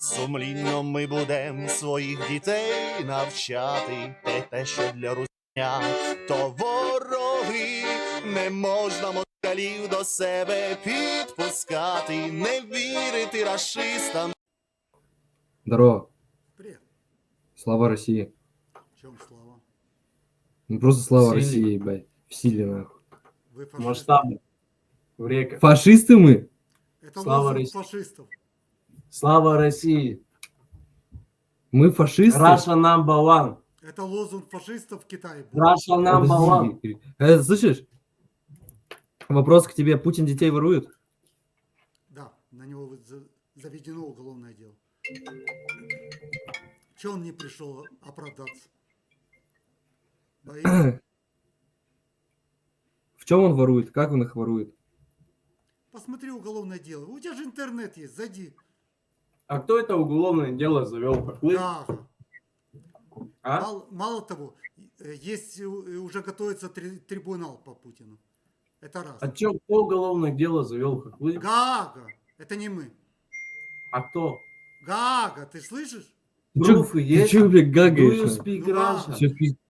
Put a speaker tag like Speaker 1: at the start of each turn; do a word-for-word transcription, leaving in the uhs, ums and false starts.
Speaker 1: Сумлінно ми будем своїх дітей навчати, те, те, що для русня, то вороги, не можна москалів до себе підпускати, не вірити рашистам.
Speaker 2: Здорово.
Speaker 3: Привет.
Speaker 2: Слава России.
Speaker 3: В чем слава?
Speaker 2: Ну просто слава
Speaker 4: В силе.
Speaker 2: России, ебать. В силе, нахуй.
Speaker 3: Вы фашисты.
Speaker 4: Масштабно. В реках.
Speaker 2: Фашисты мы?
Speaker 3: Это
Speaker 4: Слава
Speaker 3: лозунг
Speaker 4: России.
Speaker 3: фашистов.
Speaker 4: Слава России.
Speaker 2: Мы фашисты?
Speaker 4: Russia number one.
Speaker 3: Это лозунг фашистов в Китае. был.
Speaker 4: Russia number one.
Speaker 2: Подожди. Э, слышишь? Вопрос к тебе. Путин детей ворует?
Speaker 3: Да, на него вот за- заведено уголовное дело. Че он не пришел оправдаться? Боится?
Speaker 2: В чем он ворует? Как он их ворует?
Speaker 3: Посмотри уголовное дело. У тебя же интернет есть, зайди.
Speaker 4: А кто это уголовное дело завел? Хохлы?
Speaker 3: Да.
Speaker 4: А?
Speaker 3: Мало, мало того, э, есть, э, уже готовится три- трибунал по Путину. Это раз.
Speaker 4: А чё, кто уголовное дело завел? Хохлы?
Speaker 3: Гага. Это не мы.
Speaker 4: А кто?
Speaker 3: Гага, ты слышишь?
Speaker 2: Ты чё-
Speaker 4: Пруфы
Speaker 2: ты
Speaker 4: есть?
Speaker 2: чё, блядь,
Speaker 4: Do you
Speaker 2: гагаешь?
Speaker 4: speak
Speaker 3: Ну,
Speaker 4: Russian?
Speaker 2: Всё в пиз-